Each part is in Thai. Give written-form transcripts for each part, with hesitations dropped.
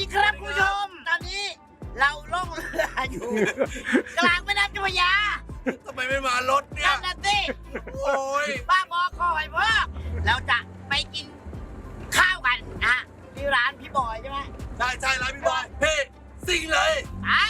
ดีครับคุณผู้ชม ตอนนี้เราล่องเรืออยู่ กลางแม่น้ำเจ้าพระยาทำไมไม่มารถเนี่ยนั่นน่ะสิโอ้ยบ้าบอคอยพ่อเราจะไปกินข้าวกันนะที่ร้านพี่บอยใช่ไหมใช่ร้านพี่บอยพี่สิ่งเลยไอ้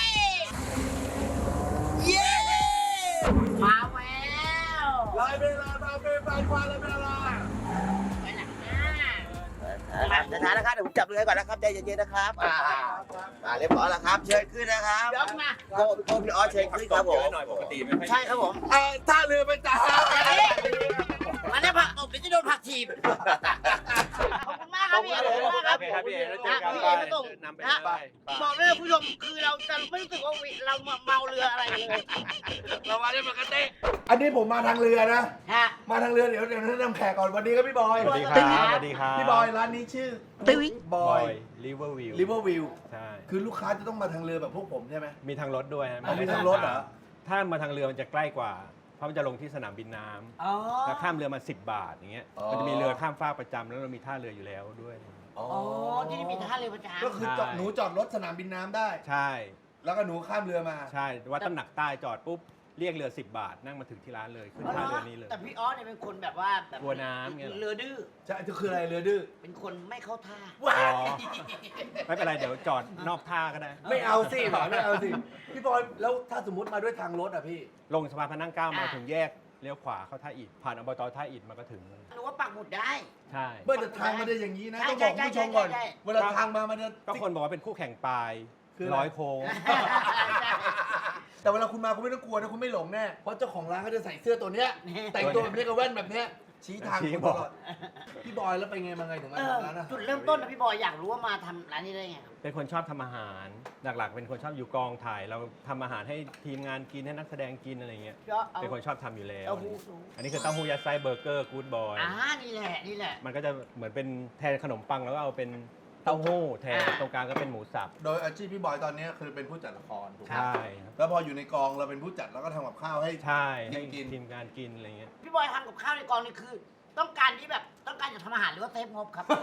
เย้มาแล้วลายเวลามาเป็นแฟนควานลายเวลาไปหลังหน้าช้าๆนะครับเดี๋ยวผมจับเรือก่อนนะครับใจเย็นๆนะครับเรียบร้อยแล้วครับเชิญขึ้นนะครับยกมาโกพี่ออสเชิญขึ้นครับผมหน่อยปกติไม่ค่อยใช่ครับผมท่าเรือไปจ้าอันนี้ผักตบเดี๋ยวจะโดนผักถีบขอบคุณมากครับพี่ขอบคุณมากครับโอเคครับพี่เอแล้วเจอกันพี่ไปเอมาส่งนำไปนะไปบอกเลยคุณผู้ชมคือเราจะไม่รู้สึกว่าเราเมาเรืออะไรเลยเรามาได้ปกติอันนี้ผมมาทางเรือนะฮะมาทางเรือเดี๋ยวแนะนำแขกก่อนวันนี้ครับพี่บอยสวัสดีครับสวัสดีครับพี่บอยร้านนี้ชื่อตึ้งบบ ออย ยริเวอร์วิวริเวอร์วิวใช่คือลูกค้าจะต้องมาทางเรือแบบพวกผมใช่ไหมมีทางรถด้วยฮะมีทางรถเหรอถ้ามาทางเรือมันจะใกล้กว่า เพราะมันจะลงที่สนามบินน้อ๋อำแล้วข้ามเรือมา10 บาทอย่างเงี้ย มันจะมีเรือข้ามฟากประจำแล้วเรามีท่าเรืออยู่แล้วด้วยอ๋ออ๋อที่นี่มีท่าเรือประจำก็คือหนูจอดรถสนามบินน้ำได้ใช่แล้วก็หนูข้ามเรือมาใช่วัดตำหนักใต้จอดปุ๊บเรียกเรือ10 บาท นั่งมาถึงที่ร้านเลยขึ้นท่าเรือนี้เลยแต่พี่ออสเนี่ยเป็นคนแบบว่าแบบกลัวน้ำไงเหรอเรือดื้อใช่คืออะไรเรือดื้อเป็นคนไม่เข้าท่าอ๋อไม่เป็นไรเดี๋ยวจอดนอกท่าก็ได้ไม่เอาสิหมอไม่เอาสิ พี่บอยแล้วถ้าสมมติมาด้วยทางรถอ่ะพี่ลงสะพานพระนั่งเกล้ามาถึงแยกเลี้ยวขวาเข้าท่าอิฐผ่านอบตท่าอิฐมาก็ถึงหนูว่าปักหมุดได้ใช่เมื่อแต่ทางมันจะอย่างนี้นะใช่ต้องบอกคุณผู้ชมก่อนใช่เวลาทางมามันจะก็คนบอกว่าเป็นคู่แข่งปลายคืออะไรร้อยโค้งแต่เวลาคุณมาคุณไม่ต้องกลัวนะคุณไม่หลงแน่เพราะเจ้าของร้านเขาจะใส่เสื้อตัวเนี้ยแต่งตัวแบบนี้กับแว่นแบบเนี้ยชี้ทางชี้คุณบตอกลอดพี่บอยแล้วไปไงมาไงถึงมาเออทำร้านอาหารจุดเริ่มต้นนะพี่บอยอยากรู้ว่ามาทำร้านนี้ได้ไงครับเป็นคนชอบทำอาหาร หลักๆ เป็นคนชอบอยู่กองถ่าย เราทำอาหารให้ทีมงานกินให้นักแสดงกินอะไรเงี้ยพี่ออสเอาเป็นคนชอบทำอยู่แล้วเต้าหู้สูงอันนี้คือเต้าหู้ยัดไส้เบอร์เกอร์กู๊ดบอยนี่แหละนี่แหละมันก็จะเหมือนเป็นแทนขนมปังแล้วก็เอาเป็นเต้าหู้แทนอ่าตรงกลางก็เป็นหมูสับโดยอาชีพพี่บอยตอนนี้คือเป็นผู้จัดละครถูกไหมใช่ครับแล้วพออยู่ในกองเราเป็นผู้จัดแล้วก็ทำกับข้าวให้ใช่ให้กินทีมงานกินอะไรเงี้ยพี่บอยทำกับข้าวในกองนี่คือ ต้องการที่แบบต้องการจะทำอาหารหรือว่าเซฟงบครับ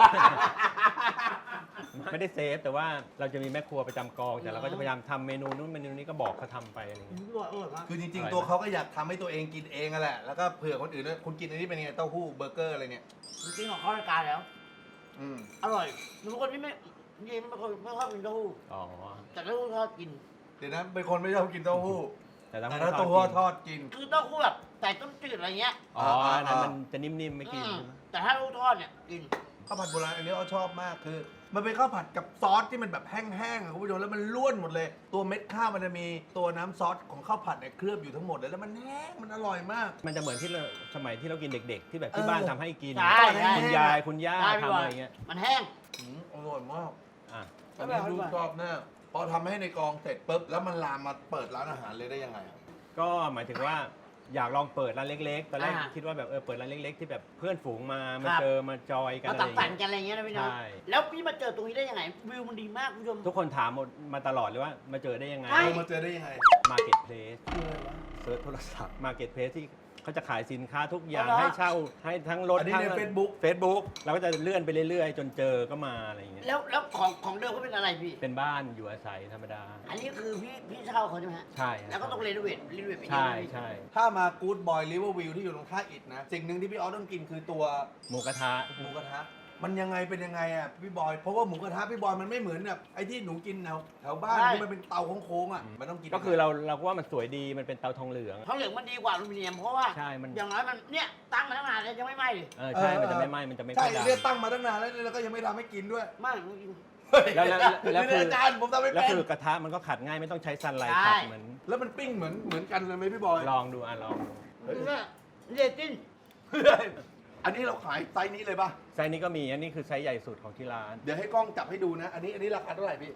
ไม่ได้เซฟแต่ว่าเราจะมีแม่ครัวประจำกอง แต่เราก็จะพยายามทำเมนูนู้นเมนูนี้ก็บอกเขาทำไปอะไรเงี้ยพี่บอยอร่อยมากคือจริงอร่อยๆตัวเขาก็อยากทำให้ตัวเองกินเองอะแหละแล้วก็เผื่อคนอื่นด้วยคุณกินอันนี้เป็นไงเต้าหู้เบอร์เกอร์อะไรเนี่ยจริงๆของเข้ารายการแล้วอืมอร่อยหนูเป็นคนที่ไม่ยิงไม่ค่อยกินเต้าหู้อ๋อแต่เต้าหู้ทอดกินเดี๋ยวนะเป็นคนไม่ชอบกินเต้าหู้แต่แต่ถ้าถ้าเต้าเต้าหู้หู้ททออดดกินคือเต้าหู้แบบใส่ต้มจืดอะไรเงี้ยอ๋ออันนั้นมันจะนิ่มๆไม่กินอืมใช่ไหมแต่ถ้าเต้าหู้ทอดเนี่ยกินข้าวผัดโบราณอันนี้เราชอบมากคือ มันเป็นข้าวผัดกับซอสที่มันแบบแห้งๆอะคุณผู้ชมแล้วมันล้วนหมดเลย ตัวเม็ดข้าวมันจะมีตัวน้ำซอสของข้าวผัดเนี่ยเคลือบอยู่ทั้งหมดเลยแล้วมันแห้งมันอร่อยมากมันจะเหมือนที่เราสมัยที่เรากินเด็ก ๆ ที่แบบที่เออบ้านทำให้กินใช่ใช่คุณยายคุณย่าได้พี่ทำบออะยไรเงี้ยมันแห้งอร่อยมากอ่ะอันนี้ลูกชอบแน่พอทำให้ในกองเสร็จปุ๊บแล้วมันลามมาเปิดร้านอาหารเลยได้ยังไงอะก็หมายถึงว่าอยากลองเปิดร้านเล็กๆตอนแรกอ่าคิดว่าแบบเปิดร้านเล็ก ๆ ที่แบบเพื่อนฝูงมาครับเจอมาจอยกันมาอะไรตัดอย่างสันเงี้ยกันอะไรเงี้ยนะพี่เนาะใช่แล้วพี่มาเจอตรงนี้ได้ยังไงวิวมันดีมากคุณผู้ชมทุกคนถามมาตลอดเลยว่ามาเจอได้ยังไงใช่มาเจอได้ยังไง Marketplace เซิร์ชโทรศัพท์ Marketplace ที่เขาจะขายสินค้าทุกอย่างอ๋อเหรอให้เช่าให้ทั้งรถอันนี้ทั้งใน Facebook Facebook เราก็จะเลื่อนไปเรื่อยๆ จนเจอก็มาอะไรอย่างเงี้ยแล้วของเดิมเขาเป็นอะไรพี่เป็นบ้านอยู่อาศัยธรรมดาอันนี้คือพี่เช่าเขาใช่ไหมฮะใช่ครับแล้วก็ต้องรีโนเวทไปเยอะใช่ไหมพี่ใช่ถ้ามากู๊ดบอยริเวอร์วิวที่อยู่ตรงท่าอิฐนะ สิ่งหนึ่งที่พี่ออสต้องกินคือตัวหมูกระทะหมูกระทะ มันยังไงเป็นยังไงอ่ะพี่บอย เพราะว่าหมูกระทะพี่บอยมันไม่เหมือนแบบไอ้ที่หนูกินแถวบ้านที่มันเป็นเตาโค้งๆอ่ะ มันต้องกินก็คือเราก็ว่ามันสวยดีมันเป็นเตาทองเหลืองทองเหลืองมันดีกว่าอลูมิเนียมเพราะว่าใช่มันอย่างน้อยมันเนี่ยตั้งมาตั้งนานแล้วยังไม่ไหม้เลยใช่มันจะไม่ไหม้มันจะไม่ใช่ค่อยดำเรียกตั้งมาตั้งนานแล้วแล้วก็ยังไม่ทำให้กินด้วยไม่มันกินแล้วคืออาจารย์ผมทำไม่แล้วเป็นคือกระทะมันก็ขัดง่ายไม่ต้องใช้ซันไลท์ใช่ขัดเหมือนแล้วมันปิ้งเหมือนกันเลยไหมพี่บอยลองดูลองดูเนี่ยเรตติ้งอันนี้เราขายไซส์นี้เลยป่ะไซส์นี้ก็มีอันนี้คือไซส์ใหญ่สุดของที่ร้านเดี๋ยวให้กล้องจับให้ดูนะ อันนี้ราคาเท่าไหร่พี่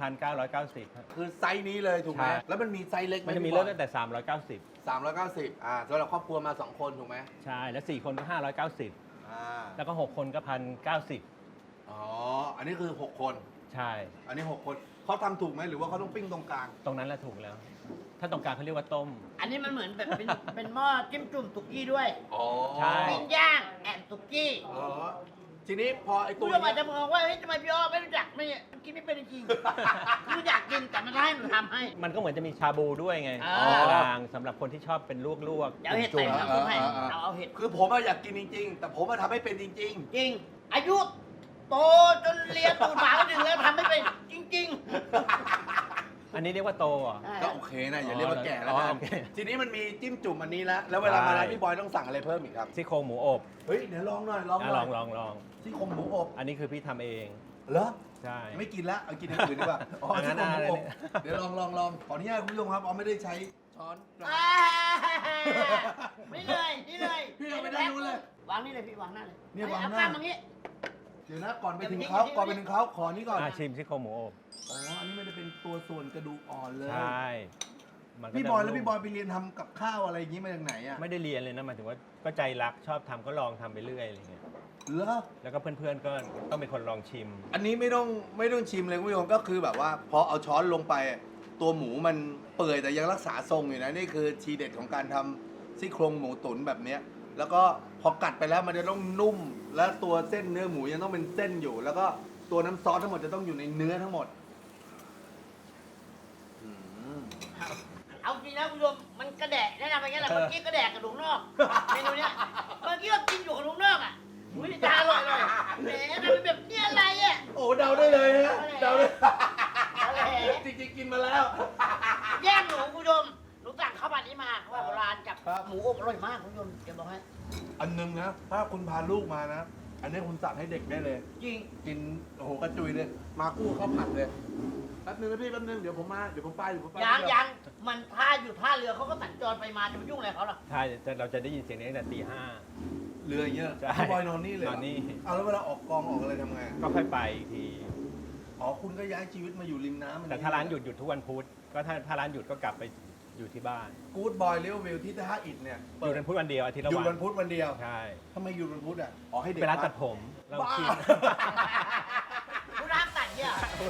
1,990ครับคือไซส์นี้เลยถูกไหมใช่แล้วมันมีไซส์เล็กไหมันจะมีพี่บเริ่อมยตั้งแต่ 390สำหรับครอบครัวมา 2 คนถูกไหม 390 ใช่ แล้ว 4 คนก็ 590 อ่าแล้วก็ 6 คนก็ 1,090 อ๋อ อันนี้คือ 6 คนใช่อันนี้ 6 คนเขาทำถูกไหมหรือว่าเขาต้องปิ้งตรงกลางตรงนั้นแหละถูกแล้ว ถ้าตรงกลางเขาเรียกว่าต้มอันนี้มันเหมือนแบบเป็นหม้อจิ้มจุ่มสุกี้ด้วยอ๋อใช่ปิ้งย่างแอนสุกี้อ๋อทีนี้พอไอ้ตัคุวณอาจเนี้จะยมองว่าเฮ้ยทำไมพี่อ้อไม่รู้จักไม่กินไม่เป็นจริงๆคืออยากกินแต่มันให้หนูทำให้มันก็เหมือนจะมีชาบูด้วยไงอ๋อกลางสำหรับคนที่ชอบเป็นลวกเดี๋ยวเอาเห็ดจุ่ใส่มน้ำซุปให้เอาเห็ดคือผมอะอยากกินจริง ๆ แต่ผมอะทำไม่เป็นจริงจริง อายุโตจนเรียนตูดหมาหนึ่งแล้วทำไม่เป็นจริงๆอันนี้เรียกว่าโตเหรอๆๆ ก็โอเคนะอย่าเรียกว่าแก่แล้วอ๋อกันโอเคทีนี้มันมีจิ้มจุ่มอันนี้แล้วแล้วเวลามาร้านได้พี่บอยต้องสั่งอะไรเพิ่มอีกครับซี่โครงหมูอบเฮ้ยเดี๋ยวลองหน่อยลองหอ่ะน่ลออย งลองที่โครงหมูอบอันนี้คือพี่ทำเองเหรอใช่ไม่กินละเอากินอย่างอื่นดีกว่าอ๋ออันนั้ที่นโครงหมูอบอะไรเนี่ยเดี๋ยวลองขออนุญาตคุณผู้ชมครับเอาไม่ได้ใช้ช้อนนี่เลยนี่เลยพี่เอาไปด้านนู้นเลยวางนี่เลยพี่วางหน้าเลยเนี่ยวางหน้าเอข้ามตรงนี้เดี๋ยวนะก่อนไปถึงเขาขอนี้ก่อนชิมซี่โครงหมูอบอ๋ออันนี้มันจะเป็นตัวส่วนกระดูกอ่อนเลยใช่มันก็พี่จะบอยแล้วนุ่มพี่บอยไปเรียนทำกับข้าวอะไรอย่างนี้มาจากไหนอ่ะไม่ได้เรียนเลยนะหมายถึงว่าก็ใจรักชอบทำก็ลองทำไปเรื่อยอะไรเงี้ยเหรอแล้วก็เพื่อนๆก็ต้องเป็นคนลองชิมอันนี้ไม่ต้องชิมเลยคุณผู้ชมก็คือแบบว่าพอเอาช้อนลงไป ตัวหมูมันเปื่อยแต่ยังรักษาทรงอยู่นะนี่คือทีเด็ดของการทำซี่โครงหมูตุ๋นแบบเนี้ยแล้วก็พอกัดไปแล้วมันจะต้องนุ่ม และตัวเส้นเนื้อหมูยังต้องเป็นเส้นอยู่ แล้วก็ตัวน้ำซอสทั้งหมดจะต้องอยู่ในเนื้อทั้งหมดอืมเอาจริงนะคุณผู้ชมมันกระแดะแนะนำไปงั้นแหละเมื่อกี้กระแดะกระดูกนอกเมนูเนี้ยเมื่อกี้เรากินอยู่กระดูกนอกอ่ะอุ้ยจะอร่อยเลยแหมทำเป็นแบบนี้อะไรอ่ะโอ้เดาได้เลยฮะเดาได้อะไรจริงๆกินมาแล้วแย่งหนูคุณผู้ชมหนูสั่งข้าวผัดนี้มาข้าวผัดโบราณกับครับหมูอบอร่อยมากคุณผู้ชมจะบอกให้อันนึงนะ ถ้าคุณพาลูกมานะ อันนี้คุณสั่งให้เด็กได้เลยจริงกินโอ้โหกระจุยเลย มาคู่ข้าวผัดเลยแป๊บนึงนะพี่แป๊บนึงเดี๋ยวผมไปเดี๋ยวผมไปยังมันท่าอยู่ท่าเรือเขาก็สัญจรไปมาจะไปยุ่งอะไรเขาหรอใช่แต่เราจะได้ยินเสียงนี้ตั้งแต่ตีห้าเรืออย่างเงี้ยใช่พี่บอยนอนนี่เลยเหรนอนนี่เอาแล้วเวลาออกกองออกอะไรทำไงก็ค่อยไปอีกทีอ๋อคุณก็ย้ายชีวิตมาอยู่ริมน้ำแต่ถ้าร้านหยุดทุกวันพุธก็ถ้าร้านหยุดก็กลับไปอยู่ที่บ้านกู๊ดบอยเลี้ยววิวที่ท่าอิฐเนี่ยหยุดวันพุธวันเดียวอาทิตย์ละหยุดวัวัน นพุธวันเดียวใช่ทำไมหยุดวันพุธอ่ะอ๋อให้เด็กไปร้านพัตักดผมเราบ้าชินผู้ร้านตัดเนี่ย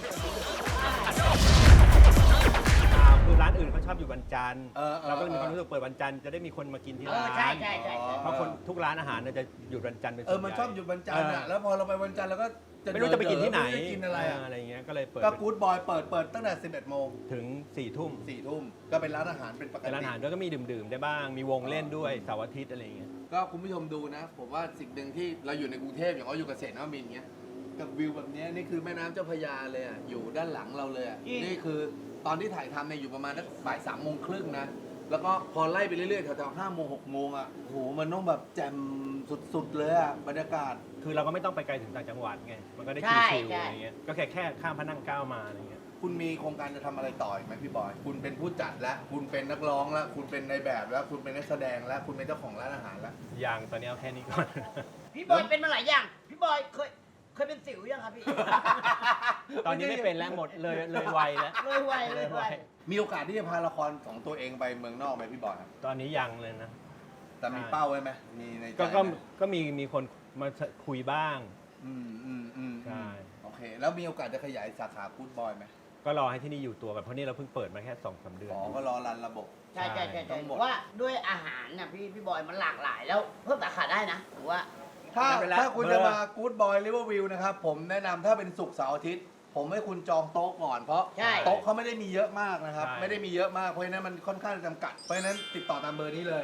คือร้านอื่นเขาชอบอยู่วันจันทร์เออเราก็เลยมีความรู้สึกเปิดวันจันทร์จะได้มีคนมากินที่เอร้าอน ใช่ใช่ใช่ใช่เพราะคนทุกร้านอาหารเนี่ยจะหยุดวันจันทร์เป็นส่วนใหญ่มันชอบหยุดวันจันทร์อ่ะแล้วพอเราไปวันจันทร์เราก็ไม่รู้จะไปกินที่ไหนม่รู้จะกินอะไรอ่ะอะไรเงี้ยก็เลยเปิดก็กู๊ดบอยเปิดตั้งแต่ 11 โมงถึง4 ทุ่ม 4 ทุ่มก็เป็นร้านอาหารเป็นปกเป็นร้านติอาหารด้วยก็มีดื่มๆได้บ้าง มีวงเล่นด้วยเสาร์อาทิตย์อะไรเงี้ยก็คุณผู้ชมดูนะ ผมว่าสิ่งหนึ่งที่เราอยู่ในกรุงเทพอย่างเราอยู่เกษตรนวมินทร์เงี้ยกับวิวแบบเนี้ยนี่คือแม่น้ำเจ้าพระยาเลยอ่ะอยู่ด้านหลังเราเลยอ่ะนี่คือตอนที่ถ่ายทำเนี่ยอยู่ประมาณสักบ่าย 3 โมงครึ่งนะแล้วก็พอไล่ไปเรื่อยๆแถวๆ5 โมง 6 โมงอ่ะโหมันต้องแบบแจ่มสุดๆเลยอ่ะบรรยากาศคือเราก็ไม่ต้องไปไกลถึงต่างจังหวัดไง มันก็ได้ใช่ชิลๆใช่อะไรเงี้ย ก็แค่ข้ามพระนั่งเกล้ามาอะไรเงี้ยคุณมีโครงการจะทำอะไรต่ออีกไหมพี่บอย คุณเป็นผู้จัดแล้ว คุณเป็นนักร้องแล้ว คุณเป็นในแบบแล้ว คุณเป็นนักแสดงแล้ว คุณเป็นเจ้าของร้านอาหารแล้วอย่างตอนนี้เอาแค่นี้ก่อนพี่บอยเป็นมาหลายอย่างพี่บอยเคยเป็นสิวยังครับพี่ตอนนี้ไม่เป็นแล้วหมดเลยวัยแล้วเลยไวเลยไวมีโอกาสที่จะพาละครของตัวเองไปเมืองนอกไหมพี่บอยครับตอนนี้ยังเลยนะแต่มีเป้าไว้ไหมมีในใจก็ไหมก็มีคนมาคุยบ้างใช่ใช่โอเค แล้วมีโอกาสจะขยายสาขากู๊ดบอยไหมก็รอให้ที่นี่อยู่ตัวกันเพราะนี่เราเพิ่งเปิดมาแค่2-3 เดือนอ๋อ ก็รอรันระบบใช่ใช่ใช่ต้ใช่องหมดว่าด้วยอาหารน่ะพี่บอยมันหลากหลายแล้วเพิ่มสาขาได้นะผมว่าถ้าไม่เป็นไรถ้าคุณจะมากู๊ดบอยริเวอร์วิวนะครับ ผมแนะนำถ้าเป็นศุกร์เสาร์อาทิตย์ ผมให้คุณจองโต๊ะก่อน เพราะใช่โต๊ะเขาไม่ได้มีเยอะมากนะครับใช่ไม่ได้มีเยอะมาก เพราะฉะนั้นมันค่อนข้างจะจำกัด เพราะฉะนั้นติดต่อตามเบอร์นี้เลย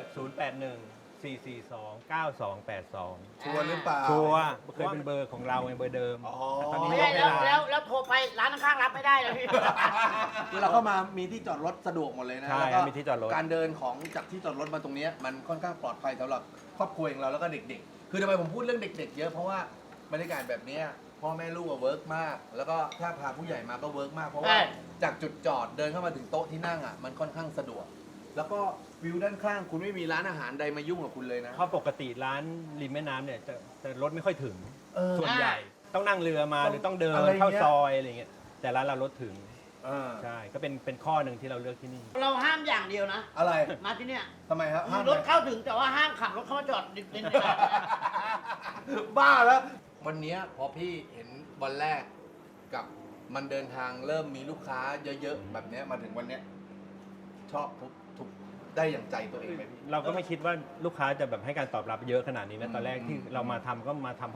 081-442-9282 ชัวร์หรือเปล่าชัวร์เคยเป็นเบอร์ของเราไงเบอร์เดิมอ๋อแต่ตอนนี้ไม่ยได้กให้แล้วร้านแล้วโทรไปร้านข้างๆรับไม่ได้เลยพี่คือเราเข้ามามีที่จอดรถสะดวกหมดเลยนะใช่แล้วก็มีที่จอดรถการเดินของจากที่จอดรถมาตรงเนี้ยมันค่อนข้างปลอดภัยสำหรับครอบครัวของเราแล้วก็เด็กๆ คือทำไมผมพูดเรื่องเด็ก ๆ เยอะเพราะว่าบรรยากาศแบบเนี้ยพ่อแม่ลูกอะเวิร์กมาก แล้วก็ถ้าพาผู้ใหญ่มาก็เวิร์กมาก เพราะว่าใช่จากจุดจอดเดินเข้ามาถึงโต๊ะที่นั่งอ่ะมันค่อนข้างสะดวก แล้วก็วิวด้านข้างคุณไม่มีร้านอาหารใดมายุ่งกับคุณเลยนะเพราะปกติร้านริมแม่น้ำเนี่ยจะรถไม่ค่อยถึงเออส่วนใหญ่ต้องนั่งเรือมาต้องหรือต้องเดินอะไรเงี้ยเข้าซอยอะไรเงี้ยแต่ร้านเรารถถึงเออใช่ก็เป็นข้อหนึ่งที่เราเลือกที่นี่เราห้ามอย่างเดียวนะอะไรมาที่เนี่ยทำไมครับห้ามรถเข้าถึงแต่ว่าห้ามขับรถเข้ามาจอดริมในร้านบ้าแล้ว วันเนี้ยพอพี่เห็นวันแรกกับมันเดินทางเริ่มมีลูกค้าเยอะๆแบบเนี้ยมาถึงวันเนี้ยชอบทุกได้อย่างใจตัวเองไหมพี่เราก็ไม่คิดว่าลูกค้าจะแบบให้การตอบรับเยอะขนาดนี้นะตอนแรกอืมที่เรามาทำก็มาทำเพราะว่า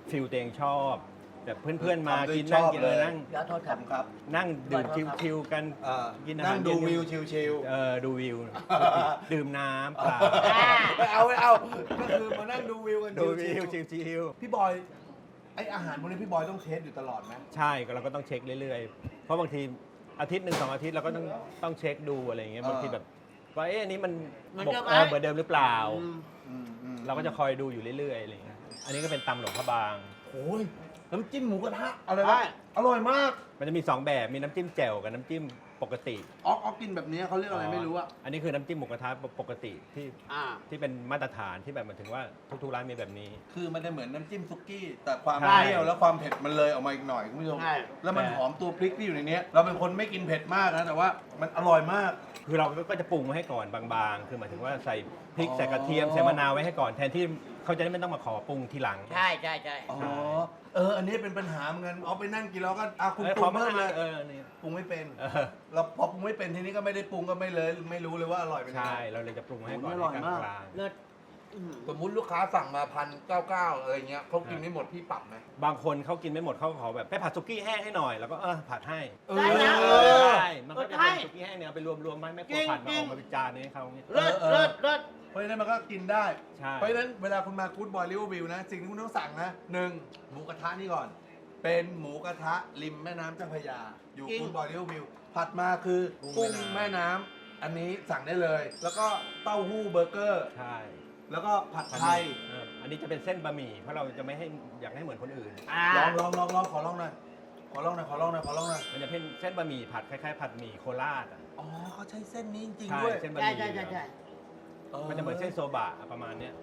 ฟิลตัวเองชอบแบบเพื่อนๆมาทำด้วยกินนั่งชอบกินเลยนั่งเดี๋ยวโทษครับครับนั่งดื่มชิวๆกัน กินอาหารนั่งดูเย็นๆวิวชิลดูวิว ดื่มน้ำเปล่าๆไม่เอาก็คือมานั่งดูวิวกันดูวิวชิลชิวๆพี่บอยไออาหารพวกนี้พี่บอยต้องเทสอยู่ตลอดไหมๆใช่ก็เราก็ต้องเช็คเรื่อยๆ เพราะบางทีอาทิตย์หนึ่ง2 อาทิตย์เราก็ต้องเช็คดูอะไรอย่างเงี้ยบางทีแบบว่าอันนี้มันเหมือนบกเดิมไหมเหมือนเดิมหรือเปล่าอืมเราก็จะคอยดูอยู่เรื่อยๆอะไรอย่างเงี้ยอันนี้ก็เป็นตำหลวงพระบางโอ้ยน้ำจิ้มหมูกระทะอะไรวะอร่อยมากมันจะมี2แบบมีน้ำจิ้มแจ่วกับน้ำจิ้มปกติออกกินแบบนี้เขาเรียกอะไรไม่รู้อะอันนี้คือน้ำจิ้มหมูกระทะปกติที่อ่าที่เป็นมาตรฐานที่แบบหมายถึงว่าทุกๆร้านมีแบบนี้คือมันจะเหมือนน้ำจิ้มซุกี้ แต่ความใช่เปรี้ยวและความเผ็ดมันเลยออกมาอีกหน่อยคุณผู้ชมใช่แล้วมันหอมตัวพริกที่อยู่ในเนี้ยเราเป็นคนไม่กินเผ็ดมากนะแต่ว่ามันอร่อยมากคือเราก็จะปรุงไว้ให้ก่อนบางๆ คือหมายถึงว่าใส่พริกอ๋อใส่กระเทียมใส่มะนาวไว้ให้ก่อนแทนที่เขาจะได้ไม่ต้องมาขอปรุงทีหลังใช่อ๋ออันนี้เป็นปัญหาเหมือนกันเอาไปนั่งกินแล้วก็คุณเออปขรุอง มาเพิ่มเลยนี่ปรุงไม่เป็นเออเราพอปรุงไม่เป็นทีนี้ก็ไม่ได้ปรุงก็ไม่รู้เลยว่าอร่อยเป็นยังใช่ไงเราเลยจะปรุงไว้ให้ก่อนโอ้ยอร่อยในมากกลางเลิศอื้อหือสมมุติลูกค้าสั่งมา1,999อะไรเงี้ยเขากินไม่หมดพี่ปรับไหมๆบางคนเขากินไม่หมดเขาขอแบบไปผัดสุกี้แห้งให้หน่อยแล้วก็ผัดให้ได้นะใช่มันก็จะเป็นสุกี้แห้งเนี่ยเอาไปรวมๆไม่ควรผัดมาออกมาเป็นจานนี้ให้เขาเนี่ยเลิศเลิศเลิศเพราะฉะนั้นมันก็กินได้ใช่เพราะฉะนั้นเวลาคุณมากู๊ดบอยลิเวอร์วิวนะ สิ่งที่คุณต้องสั่งนะหนึ่งหมูกระทะนี่ก่อน เป็นหมูกระทะริมแม่น้ำเจ้าพระยา อยู่กู๊ดบอยลิเวอร์วิวผัดมาคือกุ้งแม่น้ำอันนี้สั่งได้เลย แล้วก็เต้าหู้เบอร์เกอร์ใช่แล้วก็ผัดไทยอันนี้จะเป็นเส้นบะหมี่เพราะเราจะไม่ให้อยากให้เหมือนคนอื่นอ่าลองขอลองหน่อยขอลองหน่อยมันจะเป็นเส้นบะหมี่ผัดคล้ายๆผัดหมี่โคราชอ่ะอ๋อเขาใช้เส้นนี้จริงใช่ๆด้วยเส้นบะหใช่มี่ใช่มันจะเหมือนเส้นโซบะประมาณเนี้ย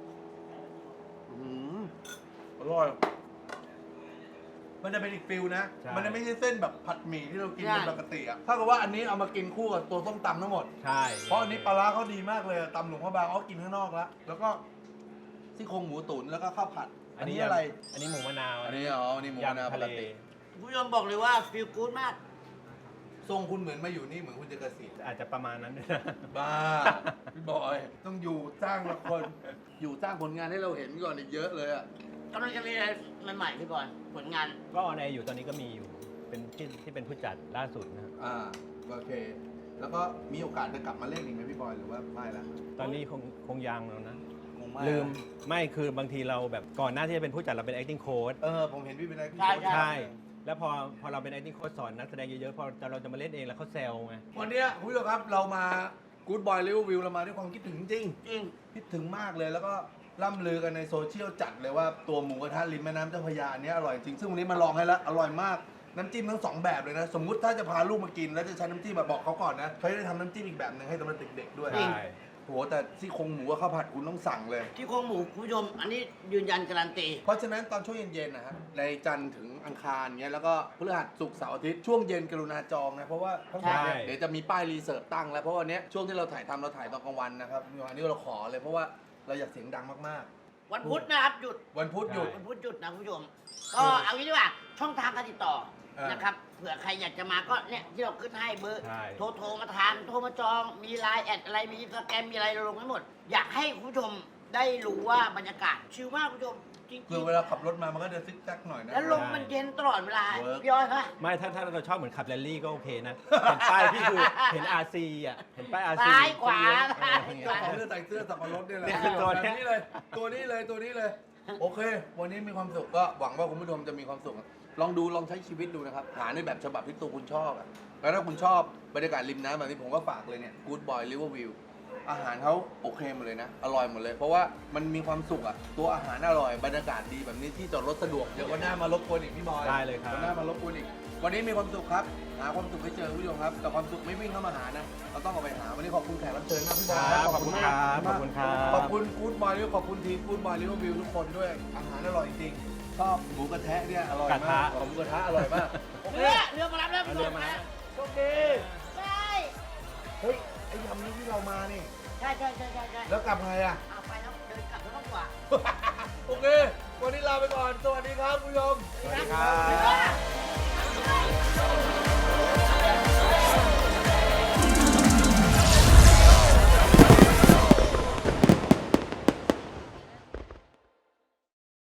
อร่อย มันจะเป็นอีกฟิลนะ มันจะไม่ใช่เส้นแบบผัดหมี่ที่เรากินเป็นปกติอะถ้าเกิดว่าอันนี้เอามากินคู่กับตัวส้มตำทั้งหมดใช่เพราะอันนี้ปลาร้าเขาดีมากเลยอะตำหลวงพระบางเอากินข้างนอกแล้ว แล้วก็ซี่โครงหมูตุ๋นแล้วก็ข้าวผัด อันนี้อะไรอันนี้หมูมะนาวอันนี้หมูมะนาวยำปทะกเลติคุณผู้ชมบอกเลยว่าฟีลกู๊ดมากทรงคุณเหมือนมาอยู่นี่เหมือนคุณจะเกษียณอาจจะประมาณนั้นด้วยนะบ้า พี่บอย ต้องอยู่สร้างละครอยู่สร้างผลงานให้เราเห็นก่อนอีกเยอะเลยอะกำลังจะมีอะไรใหม่ๆพี่บอลผลงานก็ออนแอร์อยู่ตอนนี้ก็มีอยู่เป็นที่เป็นผู้จัดล่าสุดนะครับโอเค แล้วก็มีโอกาสจะกลับมาเล่นอีกไหมพี่บอยหรือว่าไม่ละตอนนี้คงยังแล้วนะคงไม่ลืมละไม่คือบางทีเราแบบก่อนหน้าที่จะเป็นผู้จัดเราเป็น acting coach ผมเห็นพี่เป็นอะไรที่ใช่ใช่ แล้วพอเราเป็น acting coach สอนนักแสดงเยอะๆพอเราจะมาเล่นเองแล้วเขาแซวไงวันเนี้ยคุณผู้ชมครับเรามา Good Boy River View เรามาด้วยความคิดถึงจริงจริงคิดถึงมากเลยแล้วก็ล่ำลือกันในโซเชียลจัดเลยว่าตัวหมูกระทะริมแม่น้ำเจ้าพระยาอันเนี้ยอร่อยจริงซึ่งวันนี้มาลองให้แล้วอร่อยมากน้ำจิ้มทั้งสองแบบเลยนะ สมมุติถ้าจะพาลูกมากินแล้วจะใช้น้ำจิ้มแบบบอกเขาก่อนนะเขาจะได้ทำน้ำจิ้มอีกแบบหนึ่งให้สำหรับเด็กๆด้วยใช่โหแต่ซี่โครงหมูกับข้าวผัดคุณต้องสั่งเลยที่โครงหมูคุณผู้ชม อันนี้ยืนยันการันตีเพราะฉะนั้นตอนช่วงเย็นๆนะฮะในจันทร์ถึงอังคารเงี้ยแล้วก็พฤหัสศุกร์เสาร์อาทิตย์ช่วงเย็นกรุณาจองนะเพราะว่าทั้งหมดเนี่ยใช่เดี๋ยวจะมีป้ายรีเสิร์ฟตั้งแล้วเพราะวันเนี้ยช่วงที่เราถ่ายทำเราถ่ายตอนกลางวันนะครับวันนี้เราขอเลยเพราะว่าเราอยากเสียงดังมากวันพุธนะครับหยุดๆ วันพุธหยุดวันพุธหยุดนะคุณผู้ชม ก็เอางี้ดีกว่าช่องทางการติดต่ออ่านนะครับเผื่อใครอยากจะมาก็เนี่ยที่เราขึ้นให้เบอร์ใช่โทรมาทานโทรมาจองมีไลน์แอดอะไรมีอินสตาแกรมมีอะไรเราลงไว้หมด อยากให้คุณผู้ชมได้รู้ว่าบรรยากาศชิลมากคุณผู้ชมจริงคือเวลาขับรถมามันก็จะซิกแซกหน่อยนะแล้วลมมันเย็นตลอดเวลาเวิร์กพี่ย้อยคะไม่ถ้าเราชอบเหมือนขับแรลลี่ก็โอเคนะ เห็นป้ายพี่คือเห็น RC อ่ะเห็นป้าย RC ซ้ายขวาเออซ้ายขวาใส่เสื้อสับปะรดเนี่ยแหละเนี่ยคือตัวแบบเนี้ยนี้เลยตัวนี้เลย โอเค วันนี้มีความสุขก็หวังว่าคุณผู้ชมจะมีความสุขลองใช้ชีวิตดูนะครับหาในแบบฉบับที่ตัวคุณชอบอะแล้วถ้าคุณชอบบรรยากาศริมน้ำแบบนี้ผมก็ฝากเลยเนี่ย Good Boy River View อาหารเขาโอเคหมดเลยนะ อร่อยหมดเลย เพราะว่ามันมีความสุขอ่ะตัวอาหารอร่อยบรรยากาศดีแบบนี้ที่จอดรถสะดวกเดี๋ยววันหน้ามารบกวนอีกพี่บอยได้เลยครับวันหน้ามารบกวนอีกวันนี้มีความสุขครับหาความสุขให้เจอคุณผู้ชมครับแต่ความสุขไม่วิ่งเข้ามาหานะเราต้องเอาไปหาวันนี้ขอบคุณแขกรับเชิญมากพี่บอยครับขอบคุณครับขอบคุณครับขอบคุณกู๊ดบอยขอบคุณทีมกู๊ดบอยลิเวอร์วิวทุกคนด้วยอาหารอร่อยจริงชอบหมูกระทะเนี่ยอร่อยมากหมูกระทะอร่อยมากโอเคเรือมารับแล้วคุณผู้ชมนะโชคดีใช่เฮ้ยไอ้ยำนี้ที่เรามานี่ใช่แล้วกลับไงอ่ะเอาไปแล้วเดินกลับแล้วต้องกว่าโอเค วันนี้ลาไปก่อน สวัสดีครับคุณผู้ชมสวัสดีครับเรือ